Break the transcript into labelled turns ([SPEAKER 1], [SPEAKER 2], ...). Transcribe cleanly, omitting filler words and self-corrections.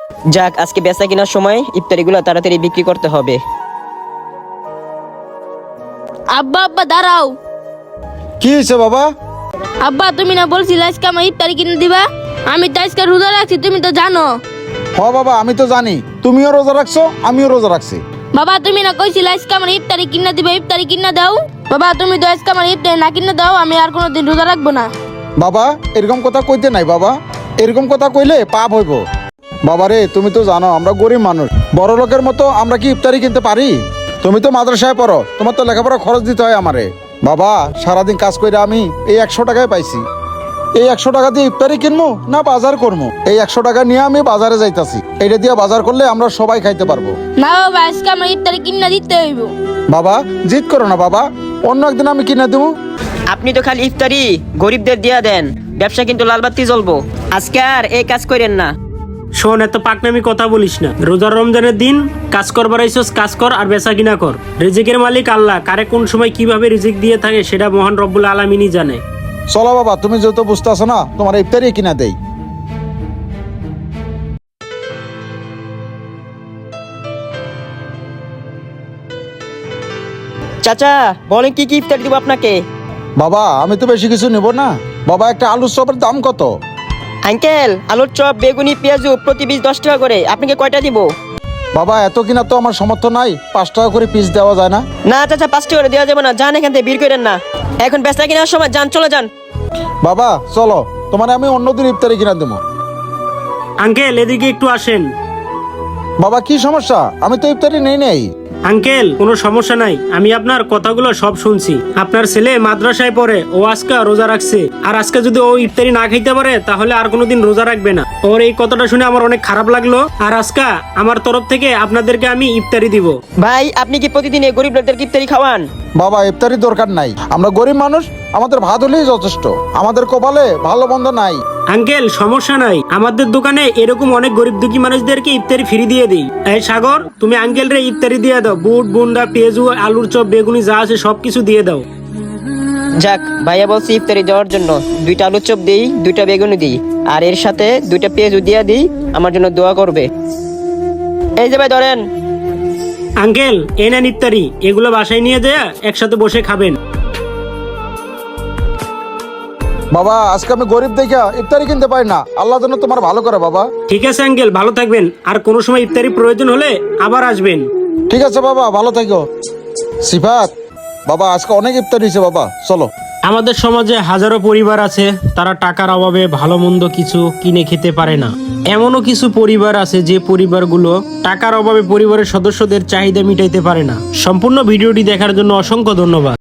[SPEAKER 1] যাক, আজকে বেচা কেনার সময় ইফতারিগুলো তাড়াতাড়ি বিক্রি করতে হবে।
[SPEAKER 2] আব্বা আব্বা দাঁড়াও।
[SPEAKER 3] কি হয়েছে বাবা?
[SPEAKER 2] আব্বা তুমি না বলছিলে আজকে আমার ইফতারি কিনে দিবা? আমি তো আজকে রোজা রাখছি, তুমি তো জানো।
[SPEAKER 3] হ বাবা, আমি তো জানি তুমিও রোজা রাখছো, আমিও রোজা রাখছি।
[SPEAKER 2] বাবা তুমি না কইছিলে আজকে আমার ইফতারি কিনে দিবা, ইফতারি কিনে দাও। বাবা তুমি তো আজকে আমার ইফতারি না কিনে দাও, আমি আর কোনোদিন রোজা রাখবো না।
[SPEAKER 3] বাবা এরকম কথা কইতে নাই বাবা, এরকম কথা কইলে পাপ হইব। বাবা রে, তুমি তো জানো আমরা গরিব মানুষ, বড় লোকের মতো আমরা কি ইফতারি কিনতে পারি? তুমি তো মাদ্রাসায় পড়ো, তোমার তো লেখাপড়া খরচ দিতে হয় আমারে। বাবা সারাদিন কাজ করে আমি এই 100 টাকায় পাইছি, এই 100 টাকা দিয়ে ইফতারি কিনবো না বাজার করবো? এই 100 টাকা নিয়ে আমি বাজারে যাইতাছি, এটা দিয়ে বাজার করলে আমরা সবাই খাইতে পারবো।
[SPEAKER 2] না বাবা আজকে আমার ইফতারি কিনে দিতে হইব।
[SPEAKER 3] বাবা জিদ করো না বাবা, অন্য একদিন আমি কিনে দেবো।
[SPEAKER 1] আপনি তো খালি ইফতারি গরিবদের দিয়া দেন, ব্যবসা কিন্তু লালবাতি জ্বলবো। আজকে আর এই কাজ করেন না।
[SPEAKER 4] শোন, এত পাকনামি কথা বলিস না। রোজার রমজানের দিন কাজ করবার আইসোস, কাজ কর আর বেচা কিনা কর। রিজিকের মালিক আল্লাহ, কারে কোন সময় কিভাবে রিজিক দিয়ে থাকে সেটা মহান রব্বুল আলামিনই জানে।
[SPEAKER 3] চলো বাবা, তুমি যেহেতু বুঝতে আসো না, তোমার ইফতারি কিনা দেই।
[SPEAKER 1] চাচা বলেন কি কি ইফতারি দিব আপনাকে?
[SPEAKER 3] বাবা আমি তো বেশি কিছু নেব না। বাবা একটা আলুর চপের দাম কত?
[SPEAKER 1] আঙ্কেল, আলুর চপ, বেগুনি, পেঁয়াজু প্রতি পিস 10 টাকা করে। আপনাকে কয়টা দিব?
[SPEAKER 3] বাবা এত কিনা তো আমার সামর্থ্য নাই, 5 টাকা করে পিস দেওয়া যায় না?
[SPEAKER 1] না চাচা, 5 টাকা করে দেওয়া যাবে না। যান এখান থেকে, ভিড় করেন না। এখন বেচা কেনার সময় যান, চলে যান।
[SPEAKER 3] বাবা চলো, তোমার আমি অন্যদিন ইফতারি কিনা দেবো।
[SPEAKER 4] আঙ্কেল এদিকে একটু আসেন।
[SPEAKER 3] বাবা কি সমস্যা? আমি তো ইফতারি নেই।
[SPEAKER 4] আঙ্কেল কোনো সমস্যা নাই, আমি আপনার কথাগুলো সব শুনছি। আপনার ছেলে মাদ্রাসায় পড়ে, ও আজকে রোজা রাখছে। আর আজকে যদি ও ইফতারি না খাইতে পারে তাহলে আর কোনোদিন রোজা রাখবে না। ওর এই কথাটা শুনে আমার অনেক খারাপ লাগলো। আর আজকে আমার তরফ থেকে আপনাদেরকে আমি ইফতারি দিব।
[SPEAKER 1] ভাই, আপনি কি প্রতিদিন এই গরিব লোকদেরকে ইফতারি খাওয়ান?
[SPEAKER 3] বাবা ইফতারি দরকার নাই, আমরা গরিব মানুষ, আমাদের ভাত হলেই যথেষ্ট। আমাদের কপালে ভালো মন্দ নাই।
[SPEAKER 4] আঙ্কেল সমস্যা নাই, আমাদের দোকানে এরকম অনেক গরিব দুঃখী মানুষদেরকে ইফতারি ফ্রি দিয়ে দিই। এই সাগর, তুমি আঙ্কেল রে ইফতারি দিয়ে দাও। বুট, বুন্ডা, পেঁয়াজু, আলুর চপ, বেগুনি যা আছে সবকিছু দিয়ে দাও।
[SPEAKER 1] যাক, ভাইয়া বলছি ইফতারি দেওয়ার জন্য 2টা আলুর চপ দিই, 2টা বেগুনি দিই, আর এর সাথে 2টা পেঁয়াজু দিয়া দিই। আমার জন্য দোয়া করবে। এই যে ভাই ধরেন।
[SPEAKER 4] আঙ্কেল এই নেন ইফতারি, এগুলো বাসায় নিয়ে যায় একসাথে বসে খাবেন।
[SPEAKER 3] বাবা আজকে আমি গরিব দেখা ইফতারি কিনতে পারি না, আল্লাহ যেন তোমার ভালো করে বাবা।
[SPEAKER 4] ঠিক আছে আঙ্কেল, ভালো থাকবেন। আর কোনো সময় ইফতারি প্রয়োজন হলে আবার আসবেন।
[SPEAKER 3] ঠিক আছে বাবা, ভালো থাকো। সিফাত বাবা আজকে অনেক ইফতারি হয়েছে বাবা, চলো।
[SPEAKER 4] আমাদের সমাজে হাজারো পরিবার আছে, তারা টাকার অভাবে ভালো মন্দ কিছু কিনে খেতে পারে না। এমনও কিছু পরিবার আছে যে পরিবারগুলো টাকার অভাবে পরিবারের সদস্যদের চাহিদা মিটাইতে পারে না। সম্পূর্ণ ভিডিওটি দেখার জন্য অসংখ্য ধন্যবাদ।